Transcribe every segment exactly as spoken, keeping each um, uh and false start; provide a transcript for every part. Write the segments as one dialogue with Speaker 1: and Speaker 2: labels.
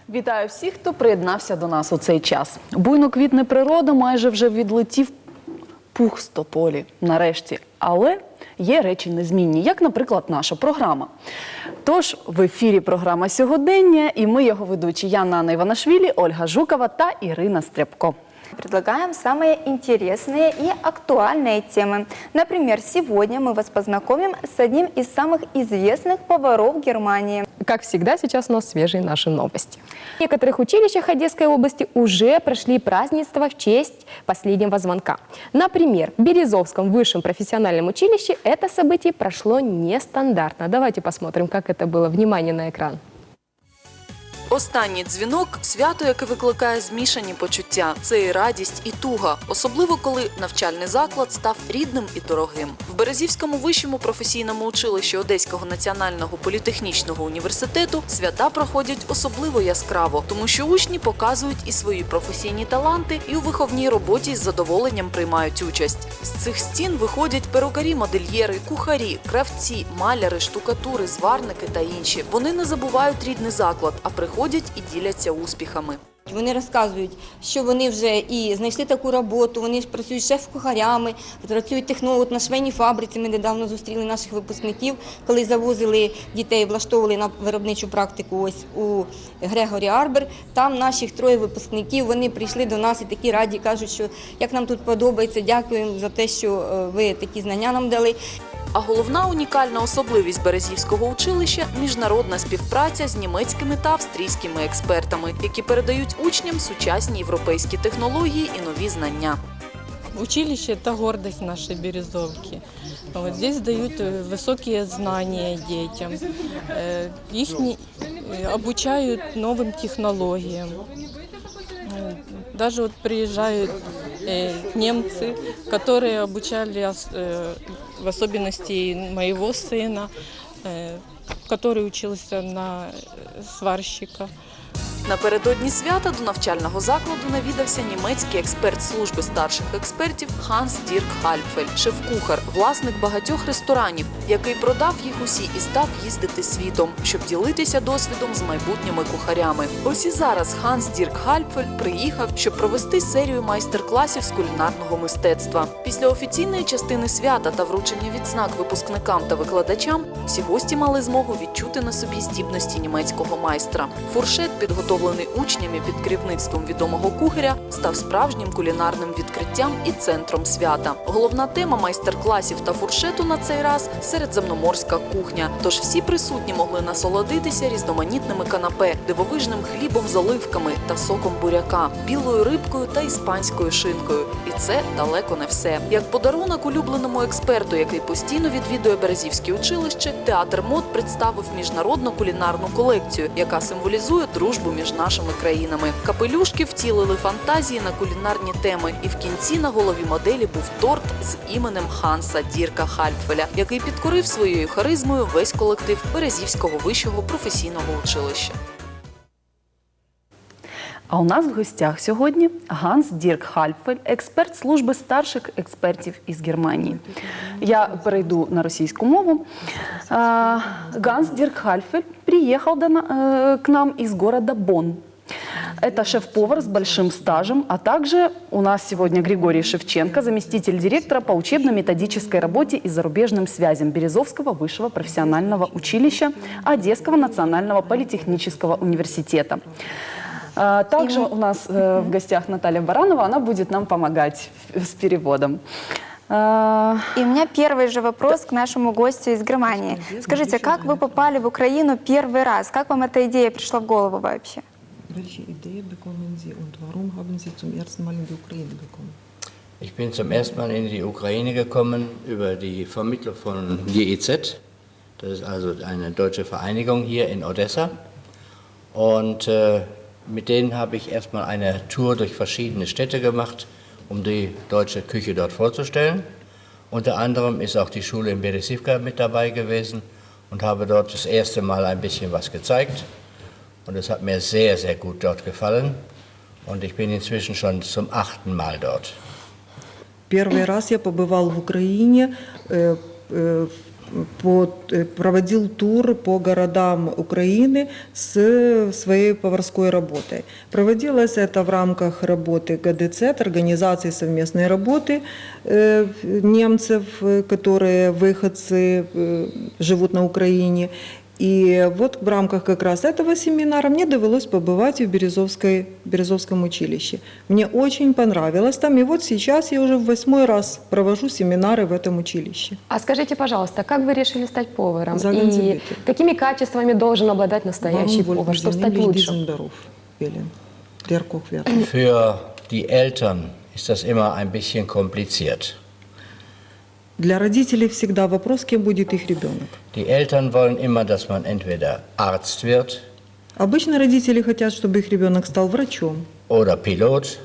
Speaker 1: Вітаю всіх, хто приєднався до нас у цей час. Буйно квітне природа, майже вже відлетів пух з тополі, нарешті. Але є речі незмінні, як, наприклад, наша програма. Тож, в ефірі програма «Сьогодення» і ми, його ведучі Яна Анна Іванашвілі, Ольга Жукова та Ірина Стряпко.
Speaker 2: Предлагаем самые интересные и актуальные темы. Например, сегодня мы вас познакомим с одним из самых известных поваров Германии.
Speaker 3: Как всегда, сейчас у нас свежие наши новости. В некоторых училищах Одесской области уже прошли празднества в честь последнего звонка. Например, в Березовском высшем профессиональном училище это событие прошло нестандартно. Давайте посмотрим, как это было. Внимание на экран.
Speaker 4: Останній дзвінок – свято, яке викликає змішані почуття. Це і радість, і туга. Особливо, коли навчальний заклад став рідним і дорогим. В Березівському вищому професійному училищі Одеського національного політехнічного університету свята проходять особливо яскраво, тому що учні показують і свої професійні таланти, і у виховній роботі з задоволенням приймають участь. З цих стін виходять перукарі-модельєри, кухарі, кравці, маляри, штукатури, зварники та інші. Вони не забувають рідний заклад, а приходять ходять і діляться успіхами.
Speaker 5: Вони розказують, що вони вже і знайшли таку роботу, вони ж працюють шеф-кухарями, працюють технолог на швейній фабриці. Ми недавно зустріли наших випускників, коли завозили дітей, влаштовували на виробничу практику ось у Грегорі Арбер. Там наших троє випускників, вони прийшли до нас і такі раді, кажуть, що як нам тут подобається, дякуємо за те, що ви такі знання нам дали.
Speaker 4: А головна унікальна особливість Березівського училища – міжнародна співпраця з німецькими та австрійськими експертами, які передають учням сучасні європейські технології і нові знання.
Speaker 6: Училище – это гордость нашей Березовки. Вот здесь дают высокие знания детям, их обучают новым технологиям. Даже вот приезжают немцы, которые обучали в особенности моего сына, который учился на сварщика.
Speaker 4: Напередодні свята до навчального закладу навідався німецький експерт служби старших експертів Ханс Дірк Хальпфель, шеф-кухар, власник багатьох ресторанів, який продав їх усі і став їздити світом, щоб ділитися досвідом з майбутніми кухарями. Ось і зараз Ханс Дірк Хальпфель приїхав, щоб провести серію майстер-класів з кулінарного мистецтва. Після офіційної частини свята та вручення відзнак випускникам та викладачам всі гості мали змогу відчути на собі здібності німецького майстра. Фуршет, підготовлений учнями під керівництвом відомого кухаря, став справжнім кулінарним відкриттям і центром свята. Головна тема майстер-класів та фуршету на цей раз – середземноморська кухня. Тож всі присутні могли насолодитися різноманітними канапе, дивовижним хлібом з оливками та соком буряка, білою рибкою та іспанською шинкою. І це далеко не все. Як подарунок улюбленому експерту, який постійно відвідує Березівське училище, театр мод представив міжнародну кулінарну колекцію, яка символізує дружбу між нашими країнами. Капелюшки втілили фантазії на кулінарні теми, і в кінці на голові моделі був торт з іменем Ханса Дірка Хальпфеля, який підкорив своєю харизмою весь колектив Березівського вищого професійного училища.
Speaker 1: А у нас в гостях сьогодні Ганс Дірк Хальпфель, експерт служби старших експертів із Германії. Я перейду на російську мову. Ганс Дірк Хальпфель приехал к нам из города Бонн. Это шеф-повар с большим стажем, а также у нас сегодня Григорий Шевченко, заместитель директора по учебно-методической работе и зарубежным связям Березовского высшего профессионального училища Одесского национального политехнического университета. Также у нас в гостях Наталья Баранова, она будет нам помогать с переводом.
Speaker 2: И у меня первый же вопрос к нашему гостю из Германии. Скажите, как вы попали в Украину первый раз? Как вам эта идея пришла в голову вообще?
Speaker 7: Welche Idee bekommen Sie und warum haben Sie zum ersten Mal in die Ukraine gekommen?
Speaker 8: Ich bin zum ersten Mal in die Ukraine gekommen über die Vermittlung von G I Z. Das ist also eine deutsche Vereinigung hier in Odessa. Und äh, mit denen habe ich erstmal eine Tour durch verschiedene Städte gemacht, um die deutsche Küche dort vorzustellen. Unter anderem ist auch die Schule in Berezivka mit dabei gewesen und habe dort das erste Mal ein bisschen was gezeigt. Und es hat mir sehr, sehr gut dort gefallen. Und ich bin inzwischen schon zum achten Mal dort.
Speaker 7: Первый раз я побывал в Украине по, э, проводил тур по городам Украины с своей поварской работой. Проводилось это в рамках работы ГДЦ, организации совместной работы э, немцев, э, которые выходцы, э, живут на Украине. И вот в рамках как раз этого семинара мне довелось побывать в Березовской, Березовском училище. Мне очень понравилось там, и вот сейчас я уже в восьмой раз провожу семинары в этом училище.
Speaker 3: А скажите, пожалуйста, как вы решили стать поваром?
Speaker 7: Sagen Sie
Speaker 3: И
Speaker 7: bitte.
Speaker 3: какими качествами должен обладать настоящий
Speaker 7: Warum
Speaker 3: повар,
Speaker 7: wollten
Speaker 3: чтобы
Speaker 7: Sie
Speaker 3: стать
Speaker 7: nämlich
Speaker 3: лучшим?
Speaker 7: diesen Beruf wählen, der Koch werden?
Speaker 8: Für die Eltern ist das immer ein bisschen kompliziert.
Speaker 7: Для родителей всегда вопрос, кем будет их ребенок.
Speaker 8: Die Eltern wollen immer, dass man entweder Arzt wird
Speaker 7: Обычно родители хотят, чтобы их ребенок стал врачом,
Speaker 8: oder Pilot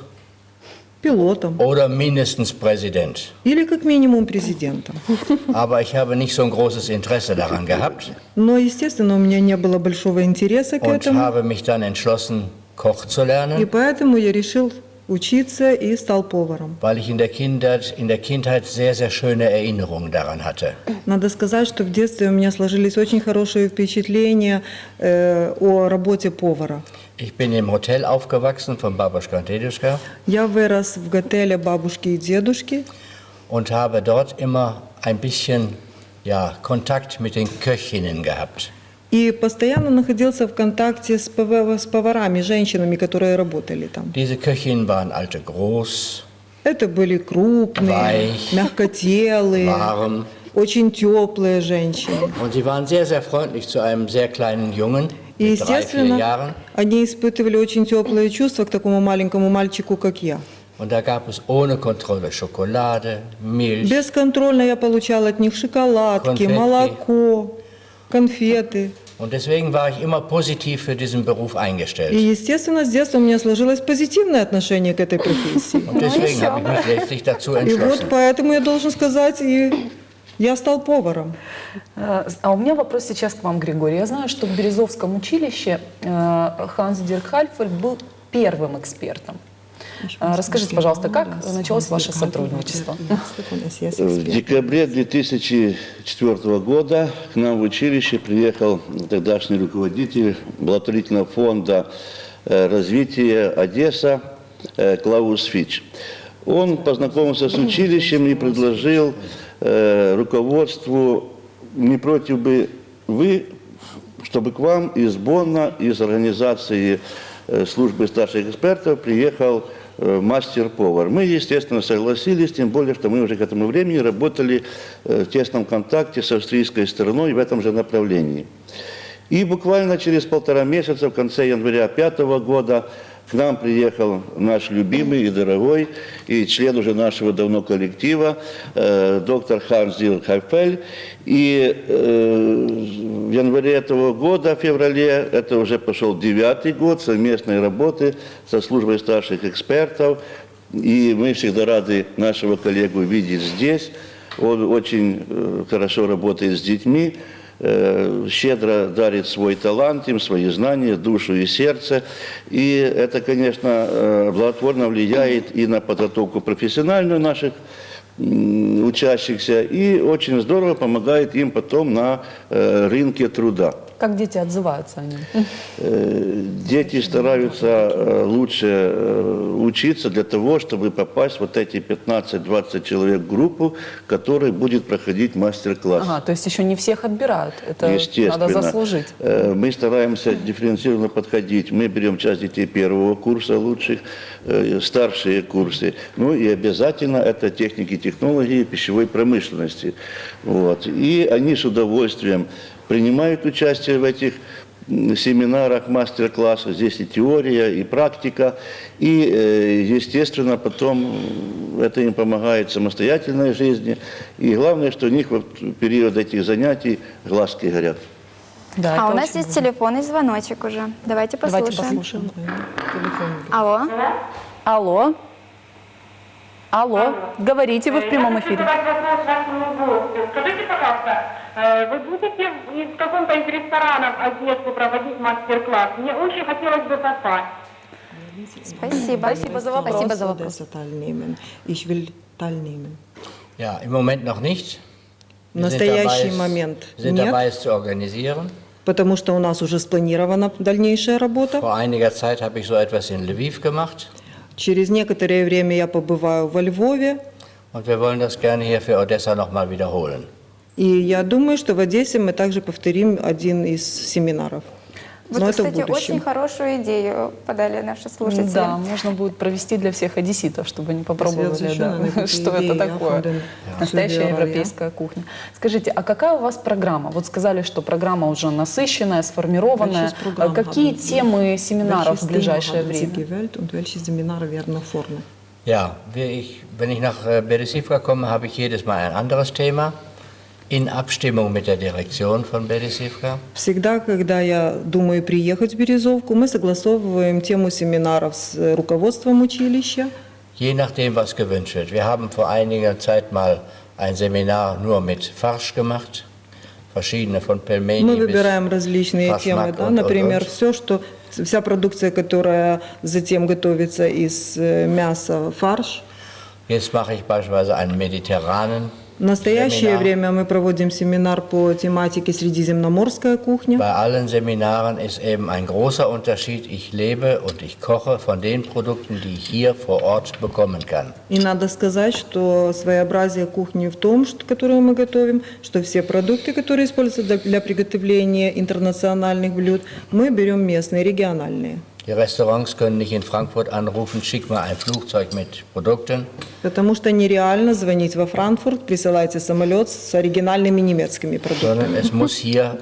Speaker 7: пилотом
Speaker 8: oder mindestens Präsident.
Speaker 7: или как минимум президентом.
Speaker 8: Aber ich habe nicht so ein großes Interesse daran gehabt
Speaker 7: Но, естественно, у меня не было большого интереса к
Speaker 8: und
Speaker 7: этому,
Speaker 8: habe mich dann entschlossen, Koch zu
Speaker 7: и
Speaker 8: lernen,
Speaker 7: поэтому я решил учиться и стал поваром.
Speaker 8: weil ich in der Kindheit, in der Kindheit sehr, sehr schöne Erinnerungen daran hatte.
Speaker 7: Надо сказать, что в детстве у меня сложились очень хорошие впечатления э, о работе повара.
Speaker 8: Ich bin im Hotel aufgewachsen von Babuschka und Deduschka
Speaker 7: Я вырос в готеле бабушки и дедушки
Speaker 8: und habe dort immer ein bisschen ja, Kontakt mit den Köchinnen gehabt.
Speaker 7: и постоянно находился в контакте с, пов- с поварами, женщинами, которые работали там.
Speaker 8: Diese Köchinnen waren alte groß,
Speaker 7: Это были крупные,
Speaker 8: Weich,
Speaker 7: мягкотелые,
Speaker 8: warm
Speaker 7: очень теплые женщины.
Speaker 8: und sie waren sehr, sehr freundlich zu einem sehr kleinen Jungen
Speaker 7: И,
Speaker 8: mit drei, vier
Speaker 7: естественно,
Speaker 8: Jahren.
Speaker 7: они испытывали очень теплые чувства к такому маленькому мальчику, как я.
Speaker 8: Und da gab es ohne Kontrolle Schokolade, Milch,
Speaker 7: Бесконтрольно я получала от них шоколадки,
Speaker 8: Конфетки.
Speaker 7: молоко, конфеты.
Speaker 8: und deswegen war ich immer positiv für diesen Beruf
Speaker 7: И,
Speaker 8: eingestellt.
Speaker 7: естественно, с детства у меня сложилось позитивное отношение к этой профессии.
Speaker 8: Und deswegen habe ich mich letztlich dazu
Speaker 7: И вот
Speaker 8: entschlossen.
Speaker 7: поэтому я должен сказать, и я стал поваром.
Speaker 1: Э, А у меня вопрос сейчас к вам, Григорий. Я знаю, что в Березовском училище э, Ханс Дирк Хальфель был первым экспертом. Э, Расскажите, пожалуйста, как началось ваше сотрудничество?
Speaker 9: В декабре две тысячи четвёртого года к нам в училище приехал тогдашний руководитель благотворительного фонда э, развития Одесса э, Клаус Фич. Он познакомился с училищем и предложил э, руководству, не против бы вы, чтобы к вам из Бонна, из организации э, службы старших экспертов приехал э, мастер-повар. Мы, естественно, согласились, тем более, что мы уже к этому времени работали э, в тесном контакте с австрийской стороной в этом же направлении. И буквально через полтора месяца, в конце января пятого года, к нам приехал наш любимый и дорогой, и член уже нашего давно коллектива, э, доктор Ханс Дирк Хальфель. И э, в январе этого года, в феврале, это уже пошел девятый год совместной работы со службой старших экспертов. И мы всегда рады нашего коллегу видеть здесь. Он очень э, хорошо работает с детьми. Щедро дарит свой талант им, свои знания, душу и сердце. И это, конечно, благотворно влияет и на подготовку профессиональную наших учащихся, и очень здорово помогает им потом на рынке труда.
Speaker 1: Как дети отзываются о нем?
Speaker 9: Дети стараются лучше учиться для того, чтобы попасть в вот эти пятнадцать-двадцать человек в группу, в которой будет проходить мастер-класс.
Speaker 1: Ага, то есть еще не всех отбирают. Это
Speaker 9: Естественно.
Speaker 1: надо заслужить.
Speaker 9: Мы стараемся дифференцированно подходить. Мы берем часть детей первого курса лучших, старшие курсы. Ну и обязательно это техники, технологии пищевой промышленности. Вот. И они с удовольствием принимают участие в этих семинарах, мастер-классах. Здесь и теория, и практика. И, естественно, потом это им помогает в самостоятельной жизни. И главное, что у них в период этих занятий глазки горят.
Speaker 1: Да,
Speaker 2: А
Speaker 1: это
Speaker 2: у нас
Speaker 1: очень
Speaker 2: есть
Speaker 1: здорово.
Speaker 2: телефонный звоночек уже. Давайте послушаем.
Speaker 1: Давайте послушаем.
Speaker 2: Алло.
Speaker 1: Алло. Алло. Говорите, вы в прямом эфире.
Speaker 10: Задать вопрос вашему гостю. Скажите, пожалуйста, э, вы будете в каком-то из ресторанов Одессу проводить мастер-класс? Мне очень хотелось бы попасть.
Speaker 2: Спасибо.
Speaker 1: Спасибо за вопрос.
Speaker 3: Спасибо за вопрос.
Speaker 7: Teilnehmen. Ich will teilnehmen.
Speaker 8: Ja, im Moment noch nicht.
Speaker 7: В
Speaker 8: Wir sind
Speaker 7: настоящий
Speaker 8: dabei, es-
Speaker 7: момент
Speaker 8: sind
Speaker 7: нет,
Speaker 8: dabei, es zu organisieren.
Speaker 7: потому что у нас уже спланирована дальнейшая работа.
Speaker 8: Vor einiger Zeit habe ich so etwas in Lviv gemacht
Speaker 7: Через некоторое время я побываю во Львове,
Speaker 8: und wir wollen das gerne hier für Odessa nochmal wiederholen.
Speaker 7: и я думаю, что в Одессе мы также повторим один из семинаров.
Speaker 2: Вот,
Speaker 7: Но это в
Speaker 2: кстати,
Speaker 7: будущем.
Speaker 2: очень хорошую идею подали наши слушатели.
Speaker 1: Да, можно будет провести для всех одесситов, чтобы они попробовали,
Speaker 7: Связано,
Speaker 1: да, что это
Speaker 7: идея,
Speaker 1: такое.
Speaker 7: von den
Speaker 1: Настоящая
Speaker 7: Zuhörern, ja.
Speaker 1: европейская кухня. Скажите, а какая у вас программа? Вот сказали, что программа уже насыщенная, сформированная.
Speaker 7: Welches Programm
Speaker 1: Какие
Speaker 7: haben Sie?
Speaker 1: темы семинаров
Speaker 7: Welches
Speaker 1: в ближайшее
Speaker 7: Thema haben Sie
Speaker 1: время?
Speaker 7: gewählt und welche Seminare werden nach vorne?
Speaker 8: Ja, wir- ich, wenn ich nach äh, Beresivka komme, habe ich jedes Mal ein anderes Thema in Abstimmung mit der Direktion von Beresivka.
Speaker 7: Всегда, когда я думаю приехать в Березовку, мы согласовываем тему семинаров с э, руководством училища.
Speaker 8: Je nachdem, was gewünscht wird. Wir haben vor einiger Zeit mal ein Seminar nur mit Farsch gemacht, verschiedene von Pelmeni
Speaker 7: Мы
Speaker 8: bis
Speaker 7: выбираем различные
Speaker 8: Фашмак
Speaker 7: темы, да,
Speaker 8: und-
Speaker 7: например,
Speaker 8: und-
Speaker 7: все, что вся продукция, которая затем готовится из э, мяса, фарш.
Speaker 8: Jetzt mache ich beispielsweise einen mediterranen
Speaker 7: В настоящее
Speaker 8: Seminar.
Speaker 7: время мы проводим семинар по тематике «Средиземноморская кухня».
Speaker 8: Bei allen Seminaren ist eben ein großer Unterschied. Ich lebe und ich koche von den Produkten, die ich hier vor Ort bekommen kann.
Speaker 7: И надо сказать, что своеобразие кухни в том, что, которую мы готовим, что все продукты, которые используются для, для приготовления интернациональных блюд, мы берем местные, региональные.
Speaker 8: Die Restaurants können nicht in Frankfurt anrufen, schick mal ein Flugzeug mit Produkten.
Speaker 7: Потому что нереально звонить во Франкфурт, присылайте самолет с оригинальными немецкими продуктами.
Speaker 8: Sondern es muss hier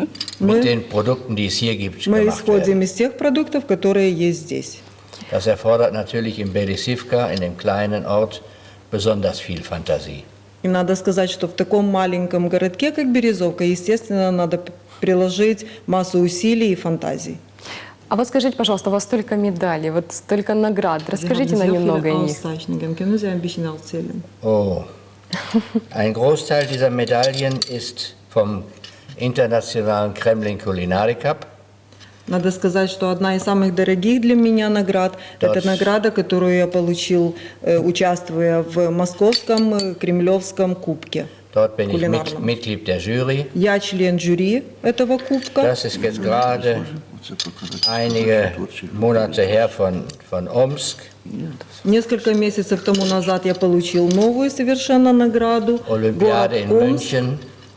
Speaker 8: mit den Produkten, die es hier gibt,
Speaker 7: Мы
Speaker 8: gemacht
Speaker 7: исходим
Speaker 8: werden.
Speaker 7: из тех продуктов, которые есть здесь.
Speaker 8: Das erfordert natürlich in Beresivka, in dem kleinen Ort, besonders viel Fantasie.
Speaker 7: И надо сказать, что в таком маленьком городке, как Березовка, естественно, надо п- приложить массу усилий и фантазий.
Speaker 3: А вот скажите, пожалуйста, у вас столько медалей, вот столько наград. Расскажите нам немного о них.
Speaker 8: Oh, ein Großteil dieser Medaillen ist vom internationalen Kremlin Culinary Cup.
Speaker 7: Надо сказать, что одна из самых дорогих для меня наград –
Speaker 8: Да.
Speaker 7: это награда, которую я получил, э, участвуя в московском э, Кремлевском кубке.
Speaker 8: Dort bin ich mit,
Speaker 7: Kulinarном.
Speaker 8: Mitglied der Jury.
Speaker 7: Я член жюри этого кубка.
Speaker 8: Das ist jetzt gerade einige Monate her von, von Omsk.
Speaker 7: Несколько месяцев тому назад я получил новую совершенно награду.
Speaker 8: Olympiade in
Speaker 7: Город Омск.
Speaker 8: München.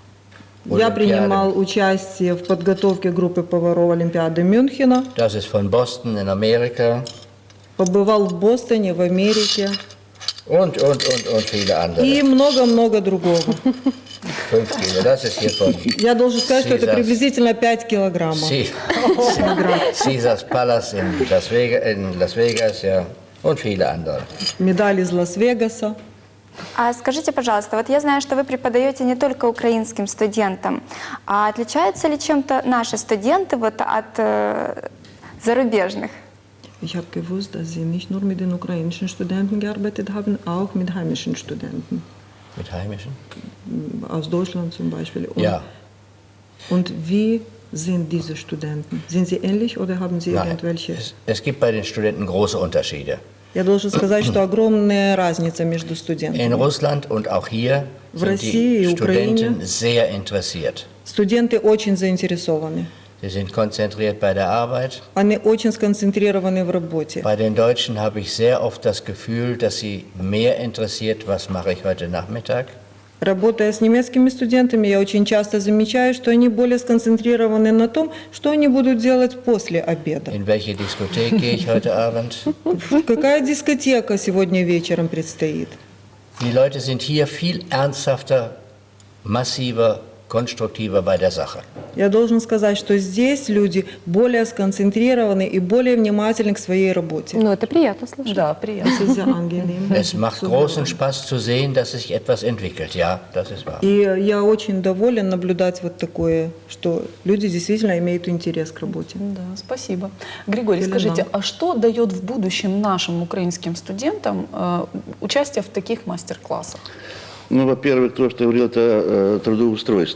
Speaker 7: Я
Speaker 8: Olympiade.
Speaker 7: принимал участие в подготовке группы поваров Олимпиады Мюнхена.
Speaker 8: Das ist von Boston in Amerika.
Speaker 7: Побывал в Бостоне, в Америке.
Speaker 8: Und, und, und, und viele andere.
Speaker 7: И много-много другого.
Speaker 8: Fünf Kilo. Das ist hier von
Speaker 7: Я должен сказать, что это
Speaker 8: Caesars.
Speaker 7: приблизительно пять килограммов.
Speaker 8: C- Caesars Palace in Las, Vegas, in Las Vegas, ja. Und viele andere.
Speaker 7: Медаль из Лас-Вегаса.
Speaker 2: А скажите, пожалуйста, вот я знаю, что вы преподаете не только украинским студентам, а отличаются ли чем-то наши студенты вот от э, зарубежных?
Speaker 7: Ich habe gewusst, dass Sie nicht nur mit den ukrainischen Studenten gearbeitet haben, auch mit heimischen Studenten.
Speaker 8: Mit heimischen?
Speaker 7: Aus Deutschland zum Beispiel. Und,
Speaker 8: Ja.
Speaker 7: und wie sind diese Studenten? Sind sie ähnlich oder haben Sie
Speaker 8: Nein.
Speaker 7: irgendwelche?
Speaker 8: Es, es gibt bei den Studenten große Unterschiede.
Speaker 7: Я должен сказать, что огромная разница между
Speaker 8: In
Speaker 7: студентами.
Speaker 8: Russland und auch hier
Speaker 7: В
Speaker 8: sind
Speaker 7: России
Speaker 8: die
Speaker 7: и Украине
Speaker 8: Studenten sehr interessiert.
Speaker 7: студенты очень заинтересованы.
Speaker 8: Sie sind konzentriert bei der Arbeit.
Speaker 7: Они очень сконцентрированы в работе.
Speaker 8: Bei den Deutschen habe ich sehr oft das Gefühl, dass sie mehr interessiert, was mache ich heute Nachmittag.
Speaker 7: Работая с немецкими студентами, я очень часто замечаю, что они более сконцентрированы на том, что они будут делать после обеда.
Speaker 8: In welche Diskothek gehe ich heute Abend?
Speaker 7: Какая дискотека сегодня вечером предстоит?
Speaker 8: Die Leute sind hier viel ernsthafter, massiver, konstruktiver bei der Sache.
Speaker 7: Я должен сказать, что здесь люди более сконцентрированы и более внимательны к своей работе.
Speaker 3: Ну, это приятно слышать.
Speaker 1: Да, приятно.
Speaker 7: Это sehr angenehm.
Speaker 8: Es macht großen Spaß zu sehen, dass sich etwas entwickelt. Ja, das ist wahr.
Speaker 7: И я очень доволен наблюдать вот такое, что люди действительно имеют интерес к работе.
Speaker 1: Да, спасибо. Григорий,
Speaker 7: Елена.
Speaker 1: скажите, а что дает в будущем нашим украинским студентам э, участие в таких мастер-классах?
Speaker 9: Ну, во-первых, то, что я говорил, это э, трудоустройство.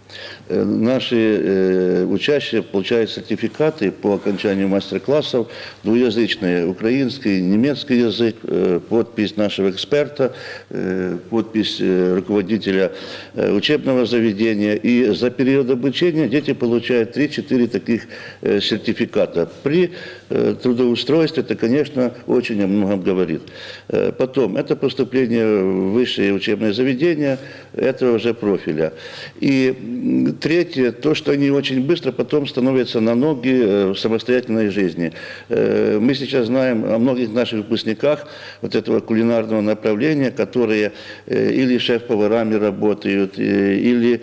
Speaker 9: Э, Наши э, учащие получают сертификаты по окончанию мастер-классов двуязычные, украинский, немецкий язык, э, подпись нашего эксперта, э, подпись э, руководителя э, учебного заведения. И за период обучения дети получают три-четыре таких э, сертификата. При э, трудоустройстве это, конечно, очень о многом говорит. Э, потом, это поступление в высшее учебное заведение этого же профиля. И третье, то, что они очень быстро потом становятся на ноги в самостоятельной жизни. Мы сейчас знаем о многих наших выпускниках вот этого кулинарного направления, которые или шеф-поварами работают, или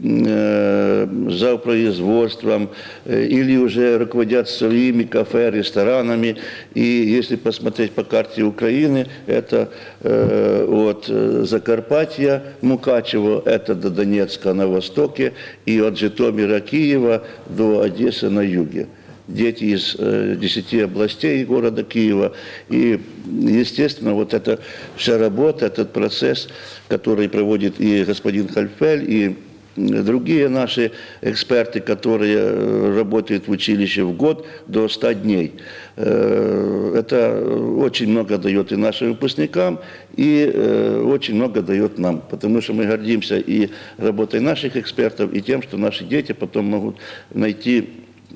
Speaker 9: за производством, или уже руководят своими кафе, ресторанами. И если посмотреть по карте Украины, это э, от Закарпатья, Мукачево, это до Донецка на востоке, и от Житомира, Киева до Одессы на юге. Дети из э, десяти областей города Киева. И, естественно, вот эта вся работа, этот процесс, который проводит и господин Хальфель, и другие наши эксперты, которые работают в училище в год до ста дней. Это очень много дает и нашим выпускникам, и очень много дает нам, потому что мы гордимся и работой наших экспертов, и тем, что наши дети потом могут найти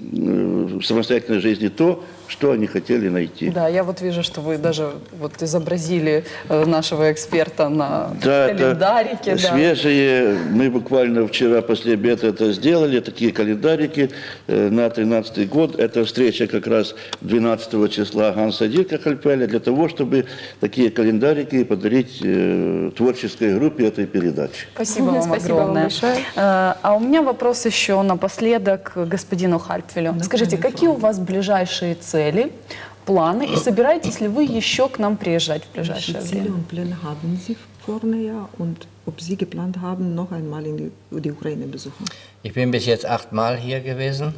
Speaker 9: в самостоятельной жизни то, что они хотели найти.
Speaker 1: Да, я вот вижу, что вы даже вот изобразили э, нашего эксперта на
Speaker 9: да,
Speaker 1: календарике.
Speaker 9: Это
Speaker 1: да.
Speaker 9: свежие. Мы буквально вчера после обеда это сделали, такие календарики э, на тринадцатый год. Это встреча как раз двенадцатого числа Ганса Дирка Хальфеля для того, чтобы такие календарики подарить э, творческой группе этой передачи.
Speaker 1: Спасибо вам
Speaker 3: Спасибо вам
Speaker 1: огромное.
Speaker 3: большое.
Speaker 1: Э, А у меня вопрос еще напоследок к господину Хальфелю. Скажите, какие у вас ближайшие цели? Цели, планы, и собираетесь ли вы еще к нам приезжать в ближайшее
Speaker 7: Welche Ziele
Speaker 1: время?
Speaker 7: und Pläne haben Sie vor näher und ob Sie geplant haben, noch einmal in die, die Ukraine besuchen?
Speaker 8: Ich bin bis jetzt achtmal hier gewesen.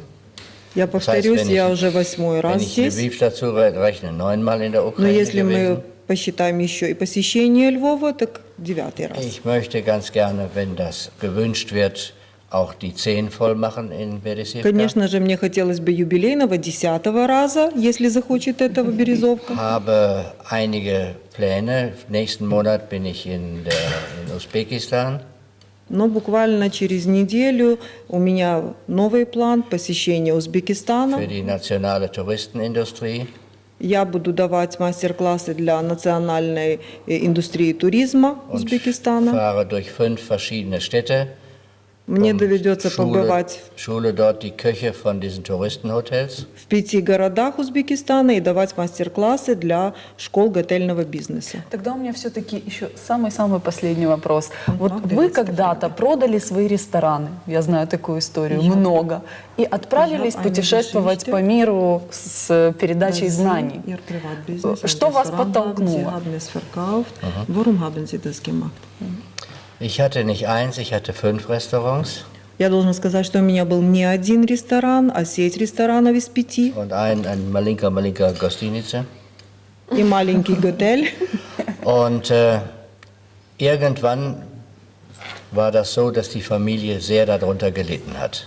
Speaker 7: Я
Speaker 8: Das heißt,
Speaker 7: повторюсь,
Speaker 8: wenn
Speaker 7: я
Speaker 8: ich,
Speaker 7: уже восьмой
Speaker 8: wenn
Speaker 7: раз
Speaker 8: ich
Speaker 7: здесь.
Speaker 8: Lviv dazu rechne, neunmal in der
Speaker 7: Но
Speaker 8: Ukraine
Speaker 7: если мы
Speaker 8: gewesen.
Speaker 7: посчитаем еще и посещение Львова, так девятый раз.
Speaker 8: Ich möchte ganz gerne, wenn das gewünscht wird, auch die zehn voll machen in Berezivka.
Speaker 7: Конечно же, мне хотелось бы юбилейного десятого раза, если захочет этого Березовка.
Speaker 8: Habe einige Pläne. Nächsten Monat bin ich in, der, in Usbekistan.
Speaker 7: Но буквально через неделю у меня новый план посещения Узбекистана.
Speaker 8: Für die nationale Touristenindustrie.
Speaker 7: Я буду давать мастер-классы для национальной э, индустрии туризма
Speaker 8: Und
Speaker 7: Узбекистана.
Speaker 8: fahre durch fünf verschiedene Städte.
Speaker 7: Мне
Speaker 8: Und
Speaker 7: доведется
Speaker 8: Schule,
Speaker 7: побывать
Speaker 8: Schule dort die Köche von diesen Touristenhotels.
Speaker 7: в пяти городах Узбекистана и давать мастер-классы для школ готельного бизнеса.
Speaker 1: Тогда у меня все-таки еще самый-самый последний вопрос. Вот
Speaker 7: Правда,
Speaker 1: вы
Speaker 7: ведь
Speaker 1: когда-то продали свои рестораны, я знаю такую историю, много, и отправились
Speaker 7: Я
Speaker 1: путешествовать
Speaker 7: eine
Speaker 1: по миру с передачей знаний.
Speaker 7: Ihr Privatbusiness,
Speaker 1: Что
Speaker 7: ein
Speaker 1: вас
Speaker 7: Restaurant
Speaker 1: подтолкнуло?
Speaker 7: haben, Sie haben es verkauft. Warum haben Sie das gemacht?
Speaker 8: Ich hatte nicht eins, ich hatte fünf Restaurants
Speaker 7: Я должна сказать, что у меня был не один ресторан, а сеть ресторанов из пяти
Speaker 8: und ein, ein Malinka Malinka Gostinice.
Speaker 7: и маленький готель.
Speaker 8: Und äh, irgendwann war das so, dass die Familie sehr darunter gelitten hat.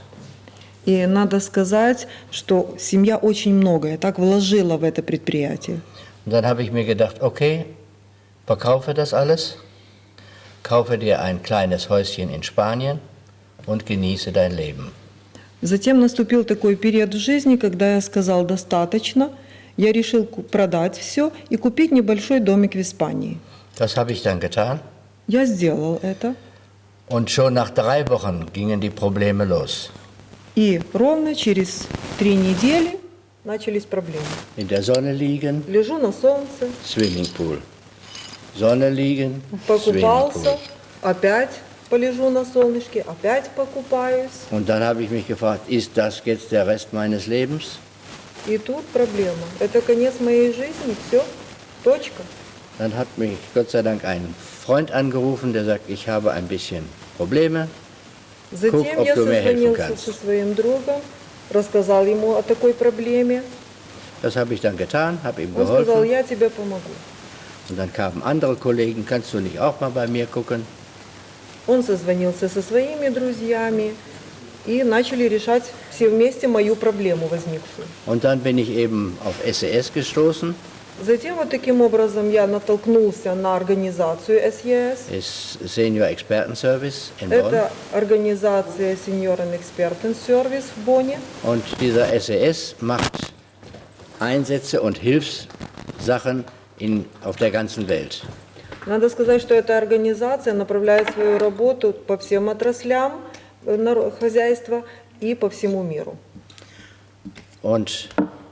Speaker 7: И надо сказать, что семья очень многое так вложила в это предприятие.
Speaker 8: Und dann habe ich mir gedacht, okay, verkaufe das alles, kaufe dir ein kleines Häuschen in Spanien und genieße dein Leben.
Speaker 7: Затем наступил такой период в жизни, когда я сказал «достаточно». Я решил ку- продать все и купить небольшой домик в Испании.
Speaker 8: Das habe ich dann getan.
Speaker 7: Я сделал это.
Speaker 8: Und schon nach drei Wochen gingen die Probleme los.
Speaker 7: И ровно через три недели начались проблемы.
Speaker 8: In der Sonne liegen,
Speaker 7: Лежу на солнце,
Speaker 8: Swimmingpool. Sonne liegen,
Speaker 7: покупался,
Speaker 8: Swimmingpool.
Speaker 7: опять полежу на солнышке, опять покупаюсь.
Speaker 8: Und dann habe ich mich gefragt, ist das jetzt der Rest meines Lebens?
Speaker 7: И тут проблема. Это конец моей жизни, все, точка.
Speaker 8: Dann hat mich Gott sei Dank ein Freund angerufen, der sagt, ich habe ein bisschen Probleme.
Speaker 7: Затем
Speaker 8: ob
Speaker 7: я
Speaker 8: du mir helfen
Speaker 7: созвонился
Speaker 8: kannst.
Speaker 7: со своим другом, рассказал ему о такой проблеме.
Speaker 8: Das habe ich dann getan, habe ihm
Speaker 7: Он сказал,
Speaker 8: geholfen.
Speaker 7: я тебе помогу.
Speaker 8: Und dann kamen andere Kollegen, kannst du nicht auch mal bei mir gucken?
Speaker 7: Он созвонился со своими друзьями, и начали решать все вместе мою проблему возникшую.
Speaker 8: Und dann bin ich eben auf S E S gestoßen.
Speaker 7: Затем вот таким образом я натолкнулся на организацию эс е эс.
Speaker 8: Ist Senior Expertenservice in Bonn.
Speaker 7: Это организация Senioren Experten Service в Бонне.
Speaker 8: Und dieser S E S macht Einsätze und Hilfssachen in, auf der ganzen Welt.
Speaker 7: Надо сказать, что эта организация направляет свою работу по всем отраслям э, наро- хозяйства и по всему миру.
Speaker 8: Und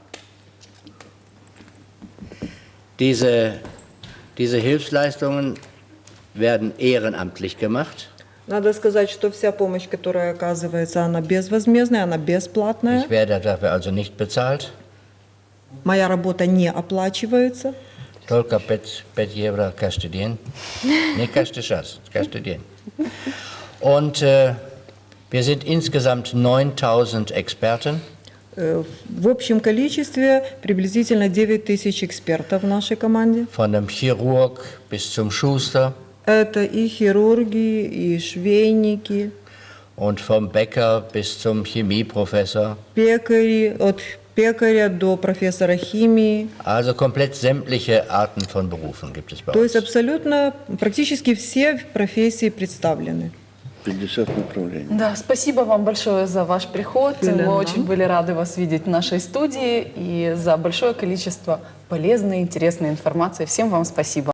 Speaker 8: diese, diese Hilfsleistungen werden ehrenamtlich gemacht.
Speaker 7: Надо сказать, что вся помощь, которая оказывается, она безвозмездная, она бесплатная.
Speaker 8: Ich werde dafür also nicht bezahlt.
Speaker 7: Моя работа не оплачивается.
Speaker 8: Только пять, пять евро каждый день. Не каждый час, каждый день. Und äh, wir sind insgesamt neuntausend Experten.
Speaker 7: Э, В общем количестве приблизительно девять тысяч экспертов в нашей команде.
Speaker 8: Von dem Chirurg bis zum Schuster
Speaker 7: Это и хирурги, и швейники,
Speaker 8: und vom Bäcker bis zum Chemieprofessor.
Speaker 7: пекари, от пекаря до профессора химии.
Speaker 8: Also komplett sämtliche Arten von Berufen gibt es bei
Speaker 7: То есть
Speaker 8: uns.
Speaker 7: абсолютно практически все профессии представлены.
Speaker 9: пятьдесят направлений.
Speaker 1: Да, спасибо вам большое за ваш приход.
Speaker 7: Vielen
Speaker 1: Мы
Speaker 7: Dank.
Speaker 1: очень были рады вас видеть в нашей студии и за большое количество полезной, интересной информации. Всем вам спасибо.